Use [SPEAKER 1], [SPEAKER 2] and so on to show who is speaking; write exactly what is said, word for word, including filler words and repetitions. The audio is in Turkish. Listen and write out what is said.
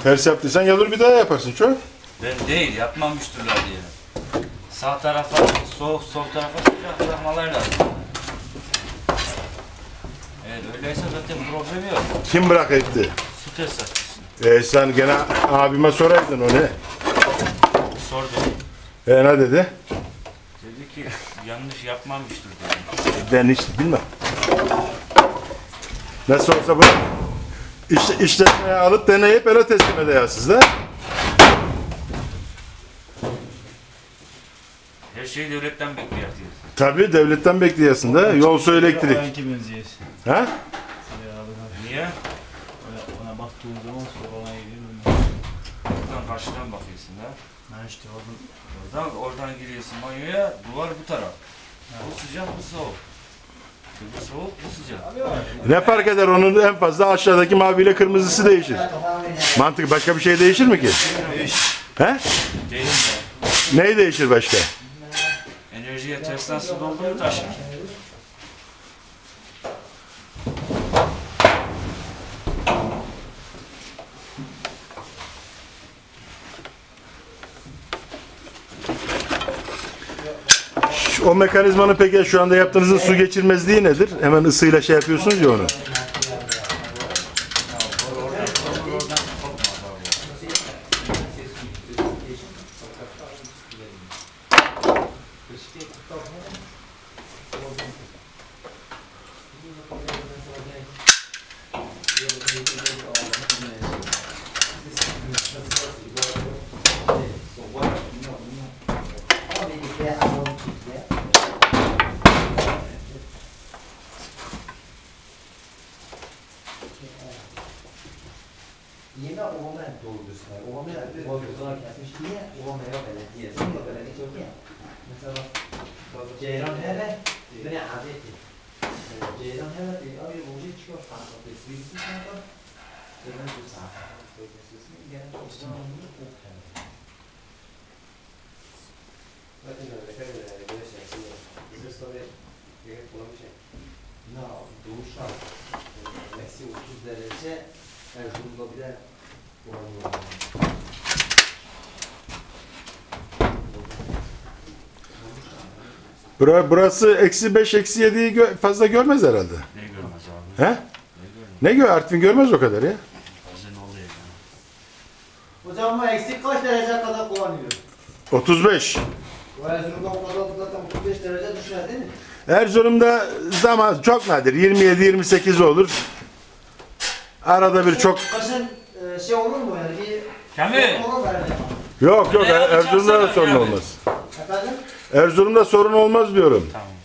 [SPEAKER 1] Ters yaptıysan gelir bir daha yaparsın çok.
[SPEAKER 2] Ben değil, yapmamıştırlar diye. Sağ tarafa soğuk, sol tarafa sıcak bırakmalar lazım. Evet, öyleyse zaten problem yok.
[SPEAKER 1] Kim bırak etti?
[SPEAKER 2] Stres açısın.
[SPEAKER 1] E sen gene abime soraydın o ne?
[SPEAKER 2] Sordum.
[SPEAKER 1] E ne dedi?
[SPEAKER 2] Dedi ki yanlış yapmamıştır dedim.
[SPEAKER 1] Ben hiç bilmem. Nasıl olsa bu iş, işletmeye alıp deneyip öyle teslim edeyasınız da.
[SPEAKER 2] Her şeyi devletten bekliyor diyorsun.
[SPEAKER 1] Tabii devletten bekliyorsun da. Yol su elektrik. Ha?
[SPEAKER 2] Niye?
[SPEAKER 3] Ona baktığın zaman sorana gidiyorum.
[SPEAKER 2] Buradan karşıdan bakıyorsun da.
[SPEAKER 3] Ha işte oradan.
[SPEAKER 2] Oradan, oradan giriyorsun banyoya, duvar bu taraf. Bu sıcak, bu soğuk. Bu soğuk, bu sıcak.
[SPEAKER 1] Ne fark eder onun en fazla aşağıdaki maviyle kırmızısı değişir. Mantık başka bir şey değişir mi ki?
[SPEAKER 2] Değişir.
[SPEAKER 1] He?
[SPEAKER 2] Değil mi?
[SPEAKER 1] Neyi değişir başka?
[SPEAKER 2] Enerjiye tersten su doldu mu taşır.
[SPEAKER 1] O mekanizmanın peki şu anda yaptığınızın su geçirmezliği nedir? Hemen ısıyla şey yapıyorsunuz ya onu.
[SPEAKER 4] Yine Ovama'ya dolduruyorsunlar. Ovama'ya dolduruyorlar kesmiş diye Ovama'ya belediye. Sonra belediye çok iyi. Mesela Ceyran hele beni adeti. Ceyran hele diye abi roji çıkıyor kanka. Tesbihsi kanka. Ceyran bu saat. Tesbihsi gelen Osmanlı'nın çok hem. Bakın öyle kadar böyle şey. Bize sonra gerek bulamış. Ne doğuş al. Eksi otuz derece. Erzurum'da bir de
[SPEAKER 1] Bura, burası eksi beş, eksi yediyi gö fazla görmez herhalde.
[SPEAKER 2] Ne görmez abi?
[SPEAKER 1] He?
[SPEAKER 2] Ne görmez?
[SPEAKER 1] Ne gör? Artvin görmez o kadar ya.
[SPEAKER 2] Bazen oluyor yani.
[SPEAKER 4] hocam ama eksik kaç derece kadar kullanıyor?
[SPEAKER 1] otuz beş.
[SPEAKER 4] O Erzurum'da o kadar zaten otuz beş derece düşer değil mi?
[SPEAKER 1] Erzurum'da zaman çok nadir. yirmi yedi yirmi sekiz olur. Arada bir çok...
[SPEAKER 4] Kaşın e, şey olur mu yani bir...
[SPEAKER 2] Kamil!
[SPEAKER 4] Olur mu yani?
[SPEAKER 1] Yok yok
[SPEAKER 2] Ne
[SPEAKER 1] Erzurum'da da
[SPEAKER 2] yapacaksın
[SPEAKER 1] sorun
[SPEAKER 2] yani?
[SPEAKER 1] olmaz.
[SPEAKER 4] Efendim?
[SPEAKER 1] Erzurum'da sorun olmaz diyorum.
[SPEAKER 2] Tamam.